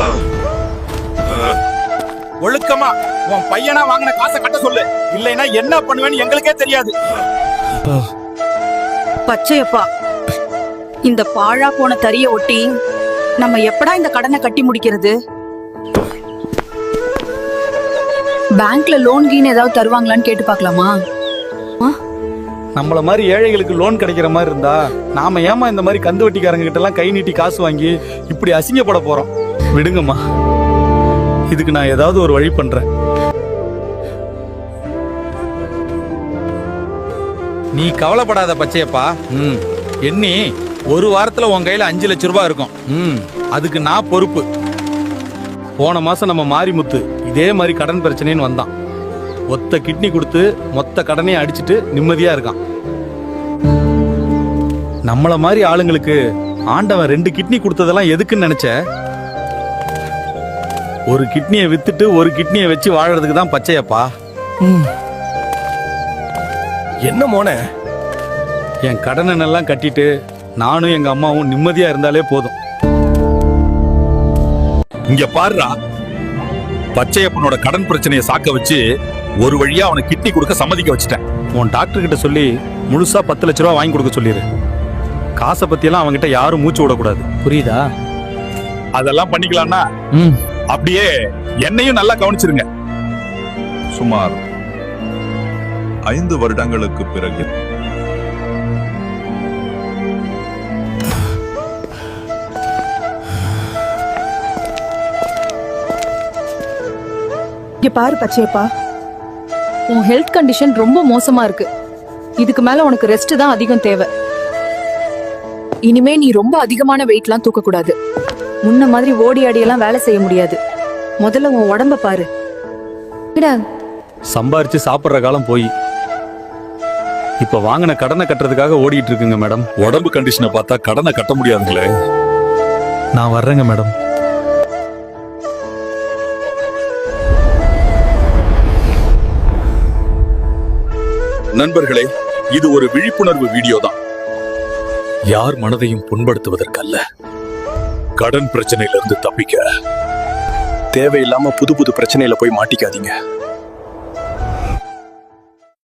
ஒழுக்கமா உன் பையனா வாங்கின காசை கட்ட சொல்லு, இல்லைன்னா என்ன பண்ணுவேன்னு எங்களுக்கே தெரியாது. பச்சையப்பா, இந்த பாழா போன தறிய ஒட்டி நம்ம எப்படா இந்த கடனை கட்டி முடிக்கிறது? பேங்க்ல லோன் கீன் ஏதாவது தருவாங்களான்னு கேட்டு பார்க்கலாமா? நம்மள மாதிரி ஏழைகளுக்கு லோன் கிடைக்கிற மாதிரி இருந்தா நாம ஏமா இந்த மாதிரி கந்து வட்டிக்காரங்க கிட்ட எல்லாம் கை நீட்டி காசு வாங்கி இப்படி அசிங்கப்பட போறோம்? விடுங்கம்மா, இதுக்கு நான் ஏதாவது ஒரு வழி பண்றேன். நீ கவலைப்படாத பச்சையப்பா. எண்ணி ஒரு வாரத்துல உன் கையில 5 லட்சம் ரூபாய் இருக்கும். அதுக்கு நான் பொறுப்பு. போன மாசம் நம்ம மாரிமுத்து இதே மாதிரி கடன் பிரச்சனைன்னு வந்தான். ஒத்த கிட்னி கொடுத்து மொத்த கடனையும் அடிச்சிட்டு நிம்மதியா இருக்கான். நம்மள மாதிரி ஆளுங்களுக்கு ஆண்டவன் 2 கிட்னி கொடுத்ததெல்லாம் எதுக்குன்னு நினைச்ச? ஒரு கிட்னியை வித்துட்டு ஒரு கிட்னியை வச்சு வாழறதுக்கு தான் பச்சையப்பா. என்ன மோனே, என் கடனை எல்லாம் கட்டிட்டு நானும் எங்க அம்மாவும் நிம்மதியா இருந்தாலே போதும். இங்க பாருடா, பச்சையப்பனோட கடன் பிரச்சனையை சாக்க வச்சு ஒரு வழியா அவனை கிட்னி கொடுக்க சம்மதிக்க வச்சுட்டேன். உன் டாக்டர் கிட்ட சொல்லி முழுசா 10 லட்ச ரூபா வாங்கி கொடுக்க சொல்லிடு. காசை பத்தியெல்லாம் அவன்கிட்ட யாரும் மூச்சு விடக்கூடாது, புரியுதா? அதெல்லாம் பண்ணிக்கலாம்னா அப்படியே என்னையும் நல்லா கவனிச்சிருங்க. சுமார் 5 வருடங்களுக்கு பிறகு இங்க பாரு பச்சையப்பா, உன் ஹெல்த் கண்டிஷன் ரொம்ப மோசமா இருக்கு. இதுக்கு மேல உனக்கு ரெஸ்ட் தான் அதிகம் தேவை. இனிமே நீ ரொம்ப அதிகமான வெயிட்லாம் தூக்க கூடாது. முன்ன மாதிரி ஓடி ஆடியெல்லாம் வேலை செய்ய முடியாது. முதல்ல உன் உடம்ப பாரு. சம்பாரிச்சு சாப்பிடுற காலம் போய் இப்ப வாங்கின கடனை கட்டுறதுக்காக ஓடிட்டு இருக்குங்க மேடம். உடம்பு கண்டிஷனை பார்த்தா கடனை கட்ட முடியாதுங்களே. நான் வர்றேங்க மேடம். நண்பர்களே, இது ஒரு விழிப்புணர்வு வீடியோ தான். யார் மனதையும் புண்படுத்துவதற்கல்ல. கடன் பிரச்சனையிலிருந்து தப்பிக்க தேவையில்லாம புது புது பிரச்சனையில போய் மாட்டிக்காதீங்க.